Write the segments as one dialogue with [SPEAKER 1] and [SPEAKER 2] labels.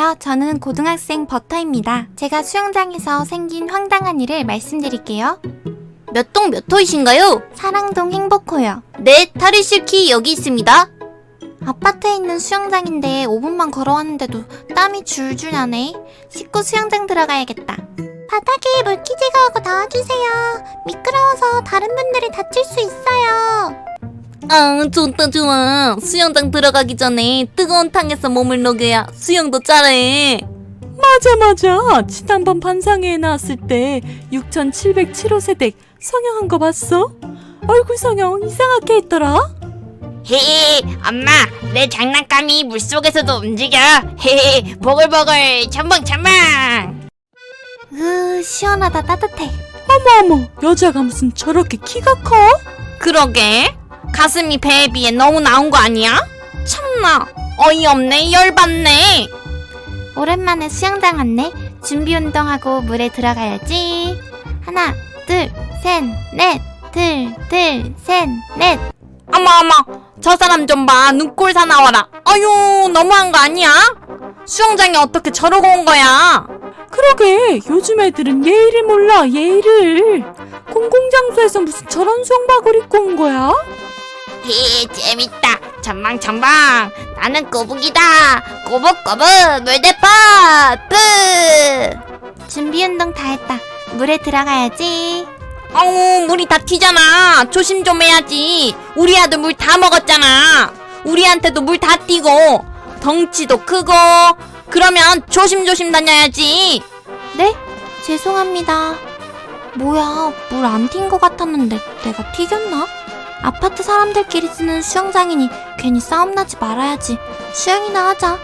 [SPEAKER 1] 안녕하세요. 저는 고등학생 버터입니다. 제가 수영장에서 생긴 황당한 일을 말씀드릴게요.
[SPEAKER 2] 몇 동 몇 호이신가요?
[SPEAKER 1] 사랑동 행복호요.
[SPEAKER 2] 네, 탈의실 키 여기 있습니다.
[SPEAKER 1] 아파트에 있는 수영장인데 5분만 걸어왔는데도 땀이 줄줄 나네. 씻고 수영장 들어가야겠다. 바닥에 물기 제거하고 나와주세요. 미끄러워서 다른 분들이 다칠 수 있어요.
[SPEAKER 2] 좋다 좋아. 수영장 들어가기 전에 뜨거운 탕에서 몸을 녹여야 수영도 잘해.
[SPEAKER 3] 맞아. 지난번 반상회에 나왔을 때 6707호 세댁 성형한 거 봤어? 얼굴 성형 이상하게 했더라?
[SPEAKER 4] 헤헤, 엄마, 내 장난감이 물속에서도 움직여. 헤헤, 보글보글, 첨벙첨벙.
[SPEAKER 1] 시원하다. 따뜻해.
[SPEAKER 3] 어머, 여자가 무슨 저렇게 키가 커?
[SPEAKER 2] 그러게. 가슴이 배에 비해 너무 나온 거 아니야? 참나. 어이없네. 열받네.
[SPEAKER 1] 오랜만에 수영장 왔네. 준비 운동하고 물에 들어가야지. 하나, 둘, 셋, 넷. 둘, 셋, 넷.
[SPEAKER 2] 어머. 저 사람 좀 봐. 눈꼴 사나워라. 아유, 너무한 거 아니야? 수영장에 어떻게 저러고 온 거야?
[SPEAKER 3] 그러게, 요즘 애들은 예의를 몰라, 예의를. 공공장소에서 무슨 저런 수영복을 입고 온 거야?
[SPEAKER 4] 헤헤, 재밌다. 첨벙첨벙. 나는 꼬북이다. 꼬북꼬북, 물대포, 뿌.
[SPEAKER 1] 준비 운동 다 했다. 물에 들어가야지.
[SPEAKER 2] 어우, 물이 다 튀잖아. 조심 좀 해야지. 우리 아들 물 다 먹었잖아. 우리한테도 물 다 튀고 덩치도 크고. 그러면 조심조심 다녀야지.
[SPEAKER 1] 네? 죄송합니다. 뭐야, 물 안 튄 것 같았는데 내가 튀겼나? 아파트 사람들끼리 쓰는 수영장이니 괜히 싸움 나지 말아야지. 수영이나 하자.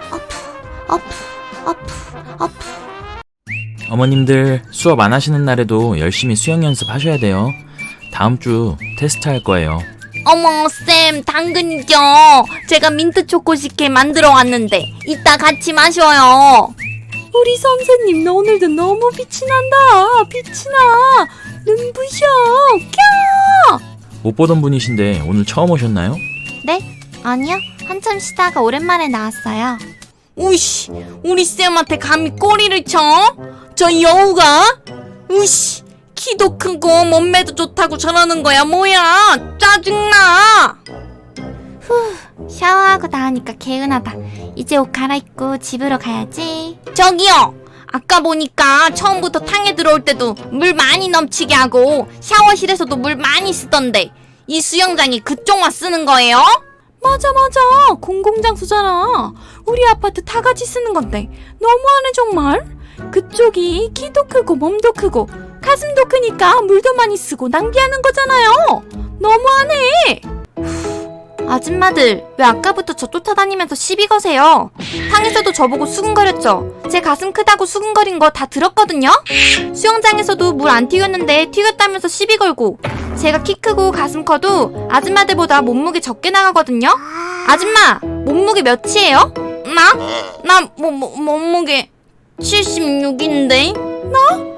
[SPEAKER 1] 아프.
[SPEAKER 5] 어머님들 수업 안 하시는 날에도 열심히 수영 연습하셔야 돼요. 다음 주 테스트 할 거예요.
[SPEAKER 2] 어머, 쌤, 당근이죠. 제가 민트 초코 식혜 만들어 왔는데 이따 같이 마셔요.
[SPEAKER 3] 우리 선생님, 너 오늘도 너무 빛이 난다. 빛이 나. 눈부셔. 캬!
[SPEAKER 5] 못 보던 분이신데 오늘 처음 오셨나요?
[SPEAKER 1] 네? 아니요. 한참 쉬다가 오랜만에 나왔어요.
[SPEAKER 2] 우이씨, 우리 쌤한테 감히 꼬리를 쳐? 저 여우가? 우이씨, 키도 크고 몸매도 좋다고 저러는 거야 뭐야? 짜증나.
[SPEAKER 1] 샤워하고 나오니까 개운하다. 이제 옷 갈아입고 집으로 가야지.
[SPEAKER 2] 저기요, 아까 보니까 처음부터 탕에 들어올 때도 물 많이 넘치게 하고 샤워실에서도 물 많이 쓰던데 이 수영장이 그쪽만 쓰는 거예요?
[SPEAKER 3] 맞아. 공공장소잖아. 우리 아파트 다 같이 쓰는 건데 너무하네 정말. 그쪽이 키도 크고 몸도 크고 가슴도 크니까 물도 많이 쓰고 낭비하는 거잖아요. 너무하네.
[SPEAKER 1] 아줌마들, 왜 아까부터 저 쫓아다니면서 시비 거세요? 탕에서도 저보고 수근거렸죠? 제 가슴 크다고 수근거린 거 다 들었거든요? 수영장에서도 물 안 튀겼는데 튀겼다면서 시비 걸고, 제가 키 크고 가슴 커도 아줌마들보다 몸무게 적게 나가거든요? 아줌마, 몸무게 몇이에요?
[SPEAKER 2] 나 몸무게 76인데?
[SPEAKER 3] 난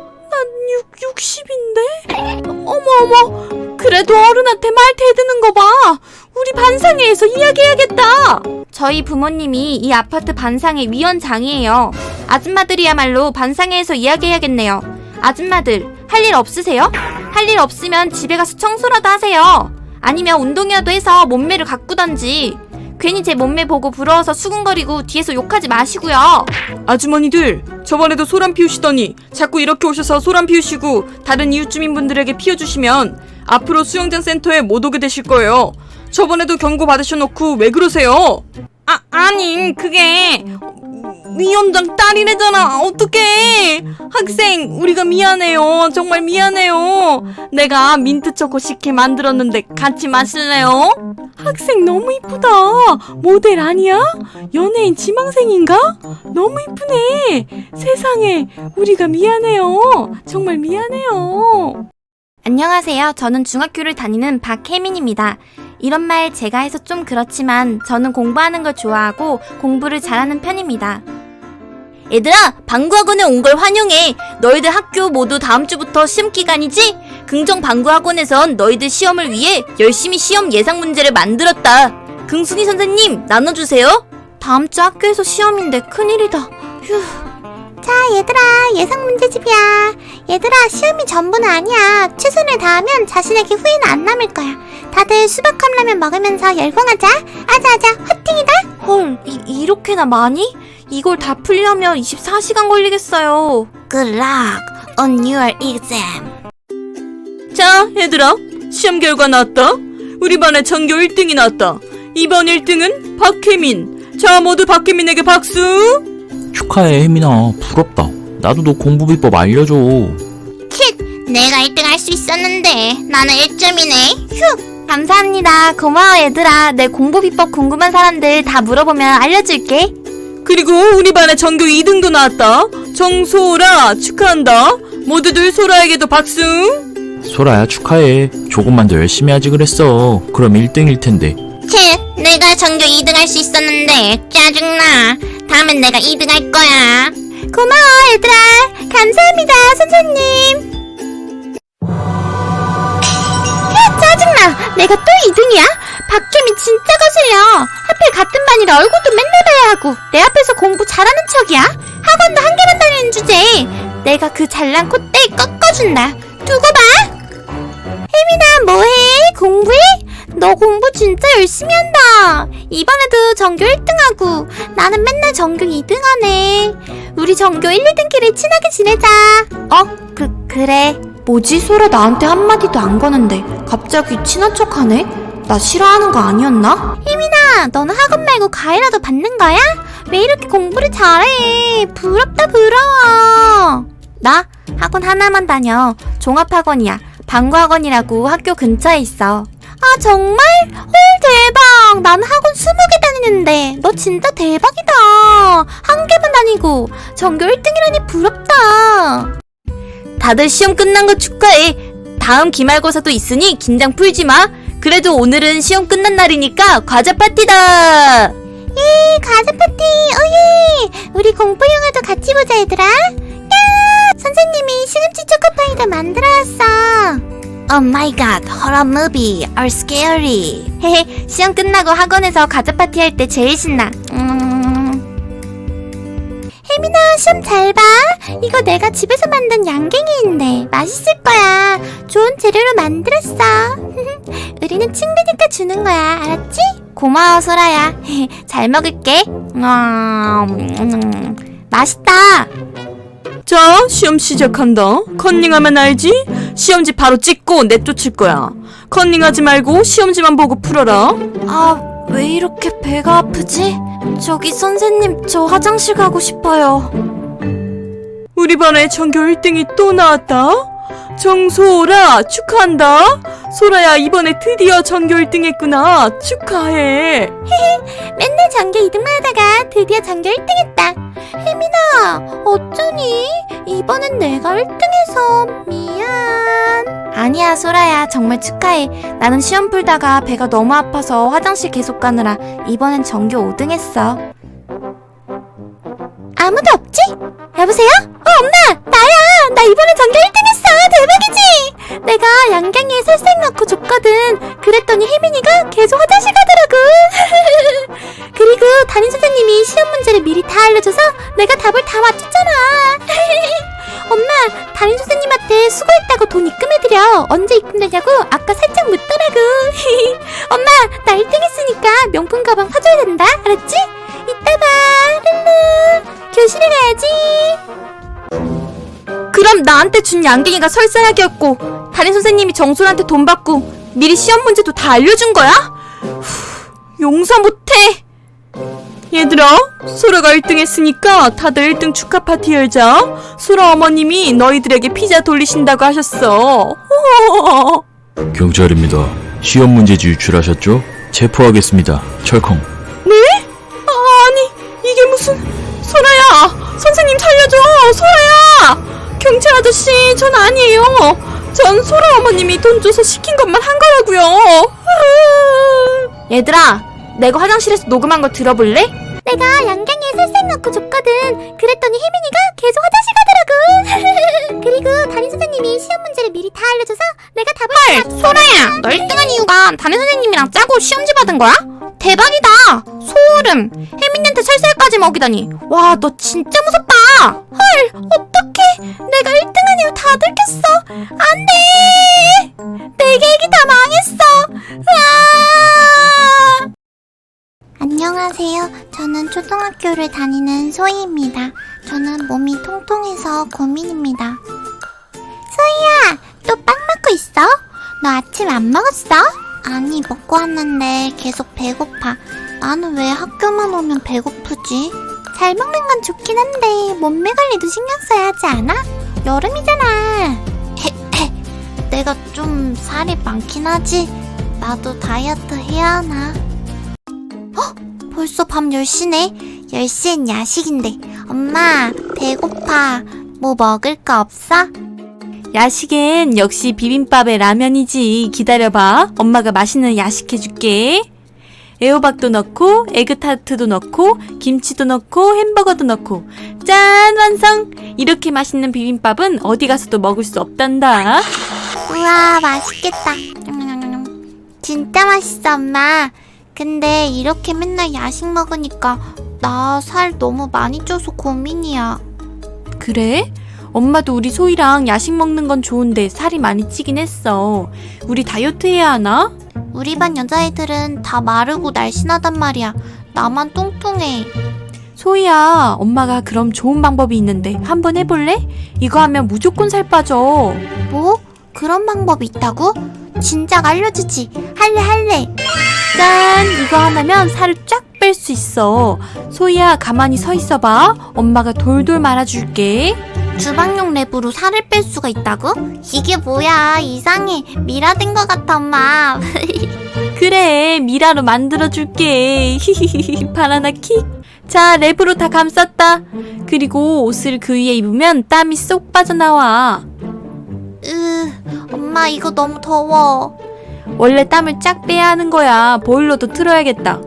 [SPEAKER 3] 60인데? 어머. 그래도 어른한테 말 대드는 거 봐. 우리 반상회에서 이야기해야겠다.
[SPEAKER 1] 저희 부모님이 이 아파트 반상회 위원장이에요. 아줌마들이야말로 반상회에서 이야기해야겠네요. 아줌마들, 할 일 없으세요? 할 일 없으면 집에 가서 청소라도 하세요. 아니면 운동이라도 해서 몸매를 가꾸던지. 괜히 제 몸매 보고 부러워서 수근거리고 뒤에서 욕하지 마시고요.
[SPEAKER 3] 아주머니들, 저번에도 소란 피우시더니 자꾸 이렇게 오셔서 소란 피우시고 다른 이웃 주민분들에게 피워주시면 앞으로 수영장 센터에 못 오게 되실 거예요. 저번에도 경고 받으셔놓고 왜 그러세요?
[SPEAKER 2] 아니, 그게 위원장 딸이래잖아. 어떡해. 학생, 우리가 미안해요. 정말 미안해요. 내가 민트초코 식혜 만들었는데 같이 마실래요?
[SPEAKER 3] 학생 너무 이쁘다. 모델 아니야? 연예인 지망생인가? 너무 이쁘네. 세상에, 우리가 미안해요. 정말 미안해요.
[SPEAKER 1] 안녕하세요. 저는 중학교를 다니는 박혜민입니다. 이런 말 제가 해서 좀 그렇지만 저는 공부하는 걸 좋아하고 공부를 잘하는 편입니다.
[SPEAKER 2] 얘들아, 방구학원에 온 걸 환영해. 너희들 학교 모두 다음 주부터 시험 기간이지? 긍정 방구학원에선 너희들 시험을 위해 열심히 시험 예상 문제를 만들었다. 긍순이 선생님, 나눠주세요.
[SPEAKER 1] 다음 주 학교에서 시험인데 큰일이다. 자, 얘들아, 예상 문제집이야. 얘들아, 시험이 전부는 아니야. 최선을 다하면 자신에게 후회는 안 남을 거야. 다들 수박 컵라면 먹으면서 열공하자. 아자아자, 화팅이다. 헐, 이렇게나 많이? 이걸 다 풀려면 24시간 걸리겠어요.
[SPEAKER 4] Good luck on your exam.
[SPEAKER 3] 자, 얘들아, 시험 결과 나왔다. 우리 반의 전교 1등이 나왔다. 이번 1등은 박혜민. 자, 모두 박혜민에게 박수.
[SPEAKER 5] 축하해, 혜민아. 부럽다. 나도 너 공부 비법 알려줘.
[SPEAKER 4] 내가 1등 할 수 있었는데 나는 1점이네. 휴.
[SPEAKER 1] 감사합니다. 고마워, 얘들아. 내 공부 비법 궁금한 사람들 다 물어보면 알려줄게.
[SPEAKER 3] 그리고 우리 반의 전교 2등도 나왔다. 정소라 축하한다. 모두들 소라에게도 박수.
[SPEAKER 5] 소라야, 축하해. 조금만 더 열심히 하지 그랬어. 그럼 1등일 텐데.
[SPEAKER 4] 내가 전교 2등 할 수 있었는데 짜증나. 다음엔 내가 2등 할 거야.
[SPEAKER 1] 고마워, 얘들아. 감사합니다, 선생님. 야, 짜증나. 내가 또 2등이야? 박혜민 진짜 거슬려. 하필 같은 반이라 얼굴도 맨날 봐야 하고 내 앞에서 공부 잘하는 척이야? 학원도 한 개만 다니는 주제에 내가 그 잘난 콧대 꺾어준다. 두고 봐. 혜민아, 뭐해? 공부해? 너 공부 진짜 열심히 한다. 이번에도 전교 1등하고 나는 맨날 전교 2등하네. 우리 전교 1, 2등끼리 친하게 지내자. 그래. 뭐지? 소라 나한테 한마디도 안 거는데 갑자기 친한 척하네? 나 싫어하는 거 아니었나? 혜민아, 너는 학원 말고 과외라도 받는 거야? 왜 이렇게 공부를 잘해? 부럽다, 부러워. 나 학원 하나만 다녀. 종합학원이야. 방과학원이라고 학교 근처에 있어. 아, 정말? 헐, 대박. 나는 학원 20개 다니는데 너 진짜 대박이다. 한 개만 다니고 전교 1등이라니 부럽다. 다들 시험 끝난 거 축하해. 다음 기말고사도 있으니 긴장 풀지 마. 그래도 오늘은 시험 끝난 날이니까 과자 파티다. 예, 과자 파티. 오예. 우리 공포 영화도 같이 보자, 얘들아. 야, 선생님이 시금치 초코파이도 만들어왔어.
[SPEAKER 4] Oh my god, horror movie are scary.
[SPEAKER 1] 헤헤, 시험 끝나고 학원에서 과자 파티 할 때 제일 신나. 혜민아, 시험 잘 봐. 이거 내가 집에서 만든 양갱이인데 맛있을 거야. 좋은 재료로 만들었어. 우리는 친구니까 주는 거야. 알았지? 고마워, 소라야. 잘 먹을게. 맛있다.
[SPEAKER 3] 자, 시험 시작한다. 컨닝하면 알지? 시험지 바로 찍고 내쫓을 거야. 컨닝하지 말고 시험지만 보고 풀어라.
[SPEAKER 1] 아, 왜 이렇게 배가 아프지? 저기 선생님, 저 화장실 가고 싶어요.
[SPEAKER 3] 우리 반에 전교 1등이 또 나왔다. 정소라 축하한다. 소라야, 이번에 드디어 전교 1등 했구나. 축하해.
[SPEAKER 1] 맨날 전교 2등만 하다가 드디어 전교 1등 했다. 혜민아, 어쩌니? 이번엔 내가 1등해서 미안. 아니야, 소라야. 정말 축하해. 나는 시험 풀다가 배가 너무 아파서 화장실 계속 가느라 이번엔 전교 5등 했어. 아무도 없지? 여보세요? 엄마! 나야! 나 이번에 전교 1등 했어! 대박이지? 내가 양갱이에 살색 넣고 줬거든. 그랬더니 혜민이가 계속 화장실 가더라고. 그리고 담임선생님이 시험 문제를 미리 다 알려줘서 내가 답을 다 맞췄잖아. 엄마, 담임선생님한테 수고했다고 돈 입금해드려. 언제 입금되냐고 아까 살짝 묻더라고. 엄마, 나 1등 했으니까 명품 가방 사줘야 된다. 알았지? 이따 봐. 룰루. 교실에 가야지. 그럼 나한테 준 양갱이가 설사약이었고 담임선생님이 정솔한테 돈 받고 미리 시험 문제도 다 알려준 거야? 용서 못해.
[SPEAKER 3] 얘들아, 소라가 1등 했으니까 다들 1등 축하 파티 열자. 소라 어머님이 너희들에게 피자 돌리신다고 하셨어.
[SPEAKER 5] 경찰입니다. 시험 문제지 유출하셨죠? 체포하겠습니다. 철컹.
[SPEAKER 3] 네? 아니, 이게 무슨... 소라야! 선생님 살려줘! 소라야! 경찰 아저씨, 전 아니에요. 전 소라 어머님이 돈 줘서 시킨 것만 한 거라고요.
[SPEAKER 1] 얘들아, 내가 화장실에서 녹음한 거 들어볼래? 내가 양갱이에 살색 넣고 줬거든. 그랬더니 혜민이가 계속 화장실 가더라고. 그리고 담임선생님이 시험 문제를 미리 다 알려줘서 내가 답을
[SPEAKER 4] 소라야, 너 1등한 이유가 담임선생님이랑 짜고 시험지 받은 거야?
[SPEAKER 1] 대박이다. 소를 소름. 혜민이한테 살살까지 먹이다니. 와, 너 진짜 무섭다. 헐, 어떡해. 내가 1등한 이유 다 들켰어. 안 돼. 내 계획이 다 망했어. 으아!
[SPEAKER 4] 안녕하세요. 저는 초등학교를 다니는 소희입니다. 저는 몸이 통통해서 고민입니다. 소희야, 또 빵 먹고 있어? 너 아침 안 먹었어? 아니, 먹고 왔는데 계속 배고파. 나는 왜 학교만 오면 배고프지? 잘 먹는 건 좋긴 한데 몸매 관리도 신경 써야 하지 않아? 여름이잖아. 내가 좀 살이 많긴 하지. 나도 다이어트 해야 하나? 벌써 밤 10시네. 10시엔 야식인데. 엄마, 배고파. 뭐 먹을 거 없어?
[SPEAKER 3] 야식엔 역시 비빔밥에 라면이지. 기다려봐. 엄마가 맛있는 야식 해줄게. 애호박도 넣고 에그타르트도 넣고 김치도 넣고 햄버거도 넣고 짠! 완성! 이렇게 맛있는 비빔밥은 어디 가서도 먹을 수 없단다.
[SPEAKER 4] 우와, 맛있겠다. 진짜 맛있어, 엄마. 근데 이렇게 맨날 야식 먹으니까 나 살 너무 많이 쪄서 고민이야.
[SPEAKER 3] 그래? 엄마도 우리 소희랑 야식 먹는 건 좋은데 살이 많이 찌긴 했어. 우리 다이어트 해야 하나?
[SPEAKER 4] 우리 반 여자애들은 다 마르고 날씬하단 말이야. 나만 뚱뚱해.
[SPEAKER 3] 소희야, 엄마가 그럼 좋은 방법이 있는데 한번 해볼래? 이거 하면 무조건 살 빠져.
[SPEAKER 4] 뭐? 그런 방법이 있다고? 진작 알려주지. 할래.
[SPEAKER 3] 짠! 이거 하나면 살을 쫙 뺄 수 있어. 소희야, 가만히 서 있어봐. 엄마가 돌돌 말아줄게.
[SPEAKER 4] 주방용 랩으로 살을 뺄 수가 있다고? 이게 뭐야, 이상해. 미라된 것 같아, 엄마.
[SPEAKER 3] 그래, 미라로 만들어줄게. 바나나 킥. 자, 랩으로 다 감쌌다. 그리고 옷을 그 위에 입으면 땀이 쏙 빠져나와.
[SPEAKER 4] 엄마, 이거 너무 더워.
[SPEAKER 3] 원래 땀을 쫙 빼야 하는 거야. 보일러도 틀어야겠다.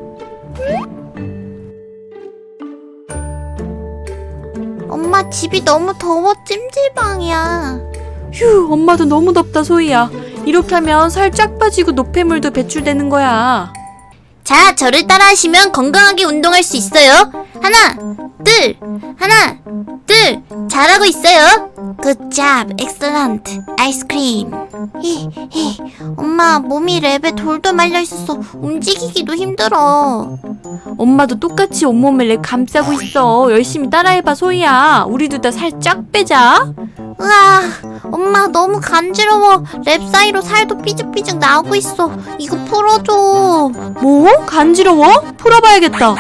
[SPEAKER 4] 엄마, 집이 너무 더워. 찜질방이야.
[SPEAKER 3] 휴, 엄마도 너무 덥다, 소희야. 이렇게 하면 살 쫙 빠지고 노폐물도 배출되는 거야.
[SPEAKER 2] 자, 저를 따라 하시면 건강하게 운동할 수 있어요. 하나, 둘, 하나, 둘. 잘하고 있어요.
[SPEAKER 4] 굿잡, 엑셀런트, 아이스크림. 엄마, 몸이 랩에 돌돌 말려있어서 움직이기도 힘들어.
[SPEAKER 3] 엄마도 똑같이 온몸을 내 감싸고 있어. 열심히 따라해봐, 소희야. 우리 둘 다 살 쫙 빼자.
[SPEAKER 4] 으아, 엄마 너무 간지러워. 랩 사이로 살도 삐죽삐죽 나오고 있어. 이거 풀어줘.
[SPEAKER 3] 뭐? 간지러워? 풀어봐야겠다.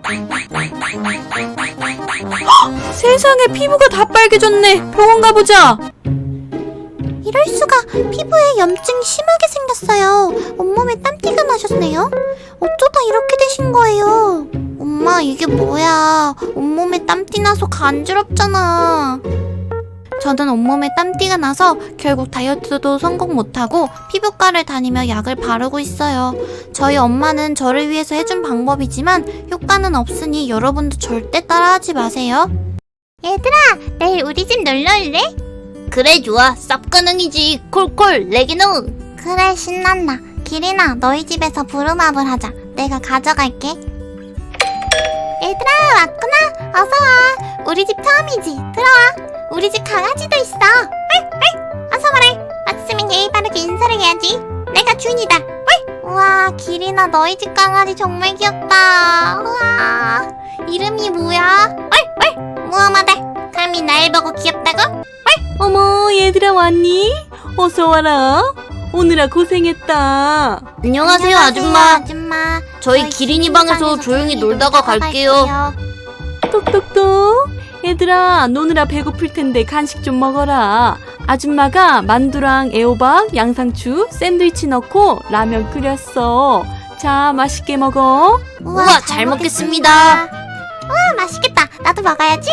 [SPEAKER 3] 헉, 세상에, 피부가 다 빨개졌네. 병원 가보자.
[SPEAKER 4] 이럴 수가. 피부에 염증이 심하게 생겼어요. 온몸에 땀띠가 나셨네요. 어쩌다 이렇게 되신 거예요? 엄마, 이게 뭐야. 온몸에 땀띠 나서 간지럽잖아. 저는 온몸에 땀띠가 나서 결국 다이어트도 성공 못하고 피부과를 다니며 약을 바르고 있어요. 저희 엄마는 저를 위해서 해준 방법이지만 효과는 없으니 여러분도 절대 따라하지 마세요. 얘들아, 내일 우리 집 놀러 올래?
[SPEAKER 2] 그래, 좋아. 쌉가능이지. 콜콜, 레기농.
[SPEAKER 4] 그래, 신난다. 기린아, 너희 집에서 부루마블 하자. 내가 가져갈게. 얘들아, 왔구나. 어서와. 우리 집 처음이지. 들어와. 우리 집 강아지도 있어. 어서 와라. 왔으면 예의 바르게 인사를 해야지. 내가 주인이다. 우와, 기린아, 너희 집 강아지 정말 귀엽다. 우와, 이름이 뭐야? 무엄하다. 감히 날 보고 귀엽다고?
[SPEAKER 3] 어머, 얘들아 왔니? 어서 와라. 오느라 고생했다.
[SPEAKER 2] 안녕하세요, 아줌마. 저희 기린이 방에서 조용히 놀다가 갈게요.
[SPEAKER 3] 똑똑똑. 얘들아, 노느라 배고플 텐데 간식 좀 먹어라. 아줌마가 만두랑 애호박, 양상추, 샌드위치 넣고 라면 끓였어. 자, 맛있게 먹어.
[SPEAKER 2] 우와, 잘 먹겠습니다.
[SPEAKER 4] 우와, 맛있겠다. 나도 먹어야지.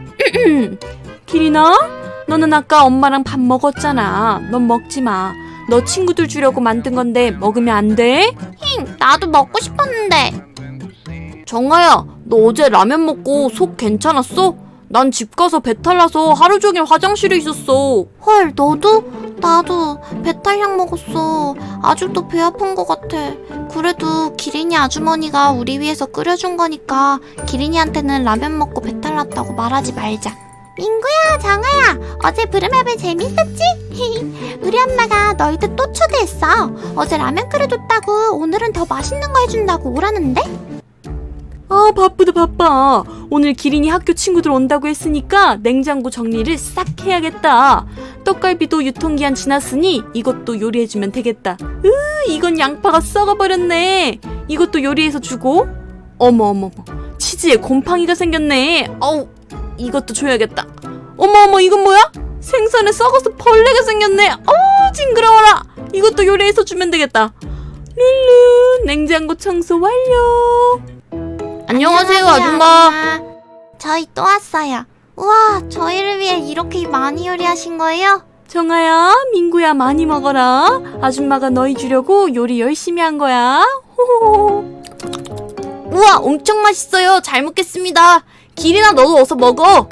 [SPEAKER 3] 기린아, 너는 아까 엄마랑 밥 먹었잖아. 넌 먹지 마. 너 친구들 주려고 만든 건데 먹으면 안 돼?
[SPEAKER 4] 나도 먹고 싶었는데.
[SPEAKER 2] 정아야, 너 어제 라면 먹고 속 괜찮았어?
[SPEAKER 3] 난 집 가서 배탈 나서 하루 종일 화장실에 있었어.
[SPEAKER 4] 헐, 너도? 나도 배탈약 먹었어. 아직도 배 아픈 것 같아. 그래도 기린이 아주머니가 우리 위해서 끓여준 거니까 기린이한테는 라면 먹고 배탈 났다고 말하지 말자. 민구야, 정아야, 어제 부름앱에 재밌었지? 우리 엄마가 너희들 또 초대했어. 어제 라면 끓여줬다고 오늘은 더 맛있는 거 해준다고 오라는데?
[SPEAKER 3] 아, 바빠. 오늘 기린이 학교 친구들 온다고 했으니까 냉장고 정리를 싹 해야겠다. 떡갈비도 유통기한 지났으니 이것도 요리해주면 되겠다. 이건 양파가 썩어버렸네. 이것도 요리해서 주고. 어머. 치즈에 곰팡이가 생겼네. 어우, 이것도 줘야겠다. 어머, 이건 뭐야? 생선에 썩어서 벌레가 생겼네. 징그러워라. 이것도 요리해서 주면 되겠다. 룰루, 냉장고 청소 완료. 안녕하세요, 아줌마.
[SPEAKER 4] 저희 또 왔어요. 우와, 저희를 위해 이렇게 많이 요리하신 거예요?
[SPEAKER 3] 정아야, 민구야, 많이 먹어라. 아줌마가 너희 주려고 요리 열심히 한 거야. 호호호.
[SPEAKER 2] 우와, 엄청 맛있어요. 잘 먹겠습니다. 기린아, 너도 어서 먹어.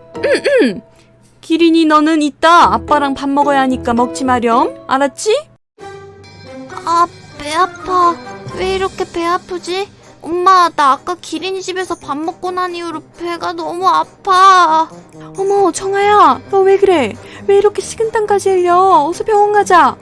[SPEAKER 3] 기린이, 너는 이따 아빠랑 밥 먹어야 하니까 먹지 마렴. 알았지?
[SPEAKER 4] 아, 배 아파. 왜 이렇게 배 아프지? 엄마, 나 아까 기린이 집에서 밥 먹고 난 이후로 배가 너무 아파.
[SPEAKER 3] 어머, 정아야, 너 왜 그래? 왜 이렇게 식은땀까지 흘려? 어서 병원 가자.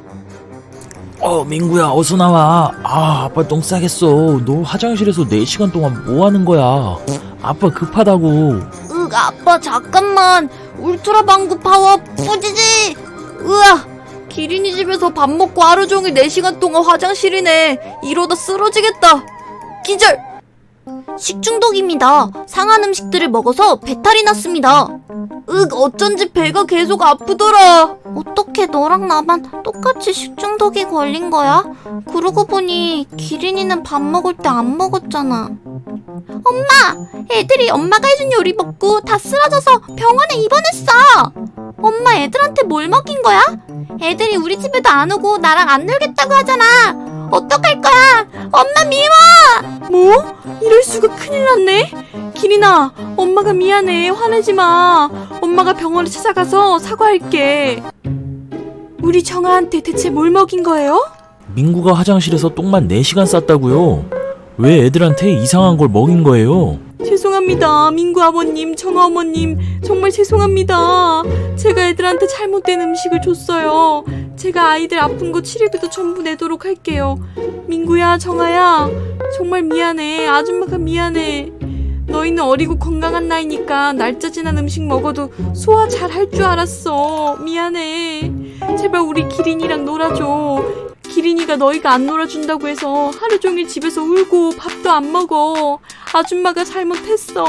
[SPEAKER 5] 민구야, 어서 나와. 아빠 똥 싸겠어. 너 화장실에서 4시간 동안 뭐 하는 거야? 아빠 급하다고.
[SPEAKER 2] 아빠, 잠깐만. 울트라 방구 파워 뿌지지. 으아, 기린이 집에서 밥 먹고 하루 종일 4시간 동안 화장실이네. 이러다 쓰러지겠다. 기절! 식중독입니다. 상한 음식들을 먹어서 배탈이 났습니다. 어쩐지 배가 계속 아프더라.
[SPEAKER 4] 어떻게 너랑 나만 똑같이 식중독이 걸린 거야? 그러고 보니 기린이는 밥 먹을 때 안 먹었잖아. 엄마! 애들이 엄마가 해준 요리 먹고 다 쓰러져서 병원에 입원했어. 엄마, 애들한테 뭘 먹인 거야? 애들이 우리 집에도 안 오고 나랑 안 놀겠다고 하잖아. 어떡할 거야? 엄마 미워!
[SPEAKER 3] 뭐? 이럴 수가, 큰일 났네. 기린아, 엄마가 미안해. 화내지 마. 엄마가 병원에 찾아가서 사과할게. 우리 정아한테 대체 뭘 먹인 거예요?
[SPEAKER 5] 민구가 화장실에서 똥만 4시간 쌌다고요. 왜 애들한테 이상한 걸 먹인 거예요?
[SPEAKER 3] 죄송합니다. 민구 아버님, 정아 어머님, 정말 죄송합니다. 제가 애들한테 잘못된 음식을 줬어요. 제가 아이들 아픈 거 치료비도 전부 내도록 할게요. 민구야, 정아야, 정말 미안해. 아줌마가 미안해. 너희는 어리고 건강한 나이니까 날짜 지난 음식 먹어도 소화 잘 할 줄 알았어. 미안해. 제발 우리 기린이랑 놀아줘. 기린이가 너희가 안 놀아준다고 해서 하루 종일 집에서 울고 밥도 안 먹어. 아줌마가 잘못했어.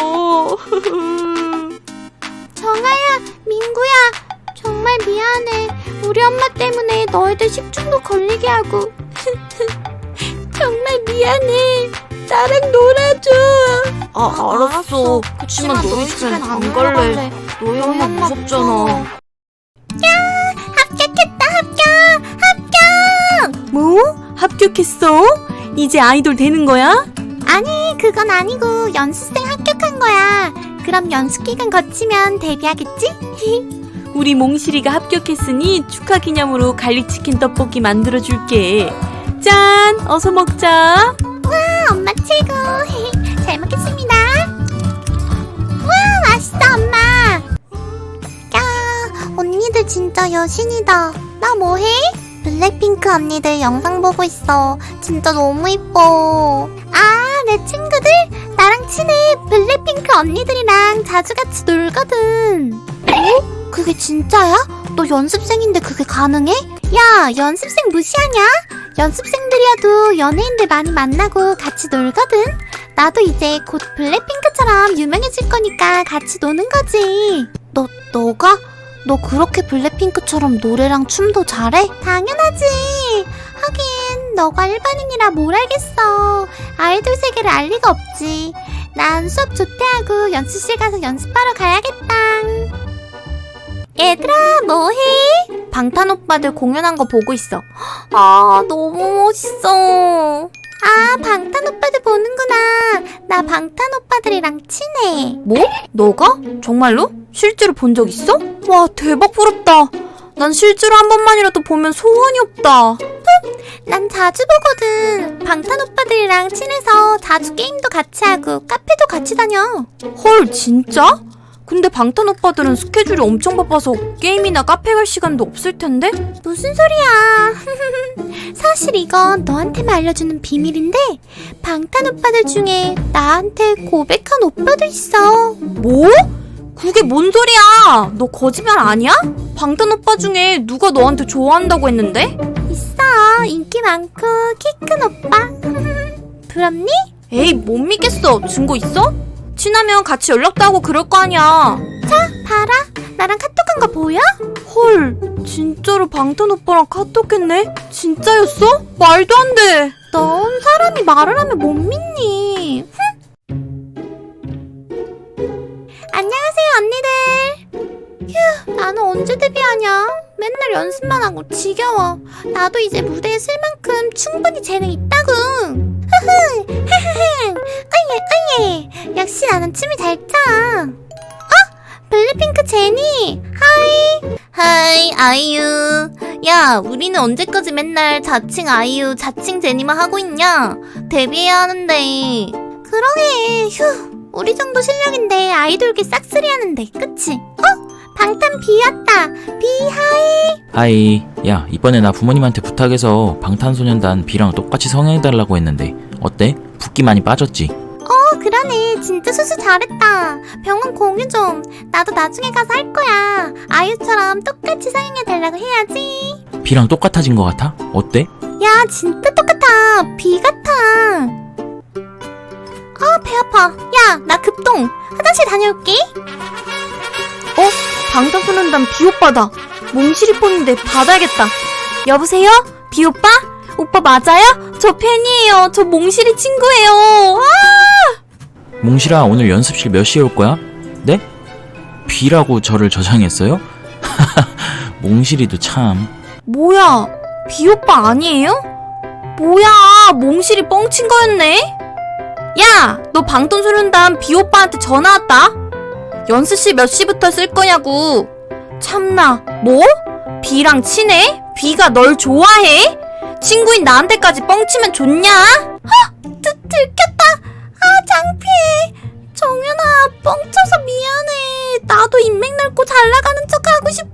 [SPEAKER 4] 정아야, 민구야, 정말 미안해. 우리 엄마 때문에 너희들 식중독 걸리게 하고. 정말 미안해. 나랑 놀아줘.
[SPEAKER 2] 알았어. 그치만 너희 집엔 안 갈래. 너희 엄마 무섭잖아.
[SPEAKER 4] 합격했다, 합격!
[SPEAKER 3] 뭐? 합격했어? 이제 아이돌 되는 거야?
[SPEAKER 4] 아니, 그건 아니고 연습생 합격한 거야. 그럼 연습 기간 거치면 데뷔하겠지?
[SPEAKER 3] 우리 몽실이가 합격했으니 축하 기념으로 갈릭치킨 떡볶이 만들어줄게. 짠! 어서 먹자.
[SPEAKER 4] 엄마 최고. 잘 먹겠습니다. 와, 맛있어, 엄마. 야, 언니들 진짜 여신이다. 나 뭐해? 블랙핑크 언니들 영상 보고 있어. 진짜 너무 이뻐. 아, 내 친구들? 나랑 친해. 블랙핑크 언니들이랑 자주 같이 놀거든. 어? 그게 진짜야? 너 연습생인데 그게 가능해? 야, 연습생 무시하냐? 연습생들이어도 연예인들 많이 만나고 같이 놀거든. 나도 이제 곧 블랙핑크처럼 유명해질 거니까 같이 노는 거지. 너가? 너 그렇게 블랙핑크처럼 노래랑 춤도 잘해? 당연하지. 하긴 너가 일반인이라 뭘 알겠어. 아이돌 세계를 알 리가 없지. 난 수업 조퇴하고 연습실 가서 연습하러 가야겠다. 얘들아, 뭐해? 방탄 오빠들 공연한 거 보고 있어. 아, 너무 멋있어. 아, 방탄 오빠들 보는구나. 나 방탄 오빠들이랑 친해.
[SPEAKER 1] 뭐? 너가? 정말로? 실제로 본 적 있어? 와, 대박 부럽다. 난 실제로 한 번만이라도 보면 소원이 없다.
[SPEAKER 4] 난 자주 보거든. 방탄 오빠들이랑 친해서 자주 게임도 같이 하고 카페도 같이 다녀.
[SPEAKER 1] 헐, 진짜? 근데 방탄 오빠들은 스케줄이 엄청 바빠서 게임이나 카페 갈 시간도 없을 텐데?
[SPEAKER 4] 무슨 소리야. 사실 이건 너한테만 알려주는 비밀인데 방탄 오빠들 중에 나한테 고백한 오빠도 있어.
[SPEAKER 1] 뭐? 그게 뭔 소리야? 너 거짓말 아니야? 방탄 오빠 중에 누가 너한테 좋아한다고 했는데?
[SPEAKER 4] 있어. 인기 많고 키 큰 오빠. 부럽니?
[SPEAKER 1] 에이, 못 믿겠어. 증거 있어? 친하면 같이 연락도 하고 그럴 거 아니야.
[SPEAKER 4] 봐라. 나랑 카톡한 거 보여?
[SPEAKER 1] 헐, 진짜로 방탄 오빠랑 카톡했네? 진짜였어? 말도 안 돼.
[SPEAKER 4] 넌 사람이 말을 하면 못 믿니? 안녕하세요, 언니들. 휴, 나는 언제 데뷔하냐? 맨날 연습만 하고 지겨워. 나도 이제 무대에 쓸 만큼 충분히 재능 있다고. 흐흐, 흐흐흐. 어예, 어예. 역시 나는 춤을 잘 춰. 블랙핑크 제니. 하이.
[SPEAKER 2] 하이 아이유. 야, 우리는 언제까지 맨날 자칭 아이유 자칭 제니만 하고 있냐? 데뷔해야 하는데.
[SPEAKER 4] 그러게. 휴. 우리 정도 실력인데 아이돌계 싹쓸이 하는데, 그치? 방탄 비왔다. 비하이.
[SPEAKER 5] 하이. 야, 이번에 나 부모님한테 부탁해서 방탄소년단 B랑 똑같이 성형해달라고 했는데 어때? 붓기 많이 빠졌지?
[SPEAKER 4] 그러네. 진짜 수술 잘했다. 병원 공유 좀. 나도 나중에 가서 할 거야. 아이유처럼 똑같이 성형해달라고 해야지.
[SPEAKER 5] B랑 똑같아진 것 같아? 어때?
[SPEAKER 4] 야, 진짜 똑같아. 비 같아. 배 아파. 야, 나 급동. 화장실 다녀올게.
[SPEAKER 1] 방탄소년단 비오빠다. 몽실이 폰인데 받아야겠다. 여보세요? 비오빠? 오빠 맞아요? 저 팬이에요. 저 몽실이 친구예요.
[SPEAKER 5] 몽실아, 오늘 연습실 몇 시에 올 거야? 네? B라고 저를 저장했어요? 몽실이도 참.
[SPEAKER 1] 뭐야, 비오빠 아니에요? 뭐야, 몽실이 뻥친 거였네? 야, 너 방탄소년단 비오빠한테 전화 왔다? 연습실 몇 시부터 쓸 거냐고. 참나, 뭐? B랑 친해? B가 널 좋아해? 친구인 나한테까지 뻥치면 좋냐?
[SPEAKER 4] 들켰다. 창피해. 정연아, 뻥쳐서 미안해. 나도 인맥 넓고 잘 나가는 척 하고 싶어.